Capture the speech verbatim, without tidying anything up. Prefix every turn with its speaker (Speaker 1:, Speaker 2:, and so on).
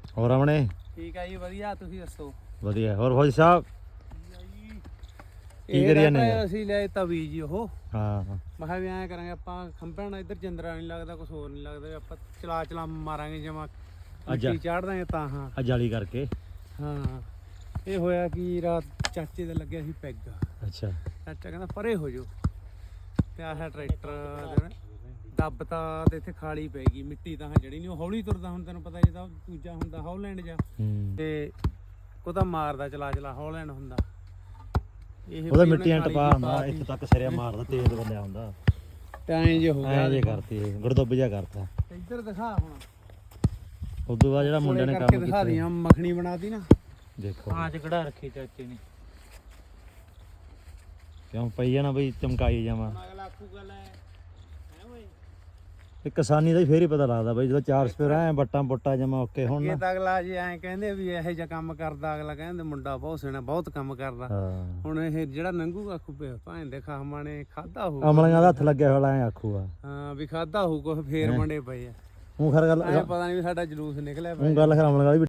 Speaker 1: ਹੋਰ ਆਵਣੇ
Speaker 2: ਠੀਕ ਆ ਜੀ ਵਧੀਆ ਤੁਸੀਂ ਦੱਸੋ
Speaker 1: ਵਧੀਆ ਹੋਰ ਫੌਜੀ ਸਾਹਿਬ ਕੀ ਕਰੀ ਜਾਂਦੇ ਆ?
Speaker 2: ਅਸੀਂ ਲੈ ਤਵੀ ਜੀ ਉਹ
Speaker 1: ਹਾਂ
Speaker 2: ਮੈਂ ਕਿਹਾ ਵੀ ਐਂ ਕਰਾਂਗੇ ਆਪਾਂ ਖੰਭਿਆਂ ਨਾਲ ਇੱਧਰ ਜਿੰਦਰਾ ਨਹੀਂ ਲੱਗਦਾ ਕੁਝ ਹੋਰ ਨਹੀਂ ਲੱਗਦਾ ਆਪਾਂ ਚਲਾ ਚਲਾ ਮਾਰਾਂਗੇ ਜਮਾ ਮਿੱਟੀ ਚਾੜ ਦਾਂਗੇ ਤਾਂ ਹਾਂ
Speaker 1: ਆ ਜਾਲੀ ਕਰਕੇ
Speaker 2: ਹਾਂ ਇਹ ਹੋਇਆ ਕਿ ਰਾਤ ਚਾਚੇ ਦਾ ਲੱਗਿਆ ਸੀ ਪੈਗ
Speaker 1: ਅੱਛਾ
Speaker 2: ਚਾਚਾ ਕਹਿੰਦਾ ਪਰੇ ਹੋ ਜਾਓ ਤੇ ਆਹ ਟਰੈਕਟਰ ਦੱਬਤਾ ਤੇ ਇੱਥੇ ਖਾਲੀ ਪੈ ਗਈ ਮਿੱਟੀ ਤਾਂ ਜੜੀ ਨਹੀਂ ਉਹ ਹੌਲੀ ਤੁਰਦਾ ਹੁਣ ਤੈਨੂੰ ਪਤਾ ਜਿਹਦਾ ਦੂਜਾ ਹੁੰਦਾ ਹੌਲੈਂਡ ਜਾ ਤੇ ਉਹ ਤਾਂ ਮਾਰਦਾ ਚਲਾ ਚਲਾ ਹੌਲੈਂਡ ਹੁੰਦਾ ਇਹ
Speaker 1: ਉਹਦਾ ਮਿੱਟੀਆਂ ਟਪਾ ਹੁੰਦਾ ਇੱਥੇ ਤੱਕ ਸਿਰਿਆ ਮਾਰਦਾ ਤੇਜ਼ ਬੰਦਿਆ ਹੁੰਦਾ
Speaker 2: ਤੇ ਐਂ ਜੇ ਹੋ ਗਿਆ
Speaker 1: ਐਂ ਜੇ ਕਰਤੀ ਗੁਰਦੁੱਬ ਜਿਹਾ ਕਰਤਾ
Speaker 2: ਇੱਧਰ ਦਿਖਾ ਹੁਣ
Speaker 1: ਉਦੋਂ ਬਾਅਦ ਜਿਹੜਾ ਮੁੰਡੇ ਨੇ ਕੰਮ
Speaker 2: ਦਿਖਾ
Speaker 1: ਕੀਤਾ
Speaker 2: ਦੀਆਂ ਮੱਖਣੀ ਬਣਾਤੀ ਨਾ
Speaker 1: ਦੇਖੋ
Speaker 2: ਆਂਚ ਕਢਾ ਰੱਖੀ ਚਾਚੇ ਨੇ
Speaker 1: ਕਿਉਂ ਪਈ ਜਾਣਾ ਬਈ ਚਮਕਾਈ ਜਾਵਾਂ
Speaker 2: ਅਗਲਾ ਆਖੂਗਾ ਲੈ ਹੈ ਓਏ
Speaker 1: ਇਹ ਕਿਸਾਨੀ ਦਾ ਹੀ ਫੇਰ ਹੀ ਪਤਾ ਲੱਗਦਾ ਬਈ ਜਦੋਂ ਚਾਰ ਸਪੇਰ ਐ ਬੱਟਾਂ ਬੁੱਟਾ ਜਮਾ ਓਕੇ ਹੁਣ
Speaker 2: ਇਹ ਤਾਂ ਅਗਲਾ ਜੀ ਐਂ ਕਹਿੰਦੇ ਵੀ ਇਹੋ ਜਿਹਾ ਕੰਮ ਕਰਦਾ ਅਗਲਾ ਕਹਿੰਦੇ ਮੁੰਡਾ ਬਹੁਤ ਸੋਹਣਾ ਬਹੁਤ ਕੰਮ ਕਰਦਾ
Speaker 1: ਹਾਂ
Speaker 2: ਹੁਣ ਇਹ ਜਿਹੜਾ ਨੰਗੂ ਆਖੂ ਪਿਆ ਭਾਂ ਦੇ ਖਾਮਾਂ ਨੇ ਖਾਦਾ ਹੋਊ
Speaker 1: ਅਮਲੀਆਂ ਦਾ ਹੱਥ ਲੱਗਿਆ ਹੋਇਆ ਐ ਆਖੂਗਾ
Speaker 2: ਹਾਂ ਵੀ ਖਾਦਾ ਹੋਊ ਕੁਛ ਫੇਰ ਮੰਡੇ ਪਏ ਆ
Speaker 1: ਉਹ ਖਰ ਗੱਲ
Speaker 2: ਐਂ ਪਤਾ ਨਹੀਂ ਵੀ ਸਾਡਾ ਜਲੂਸ ਨਿਕਲਿਆ
Speaker 1: ਉਹ ਗੱਲ ਖਰ ਅਮਲੀਆਂ ਦੀ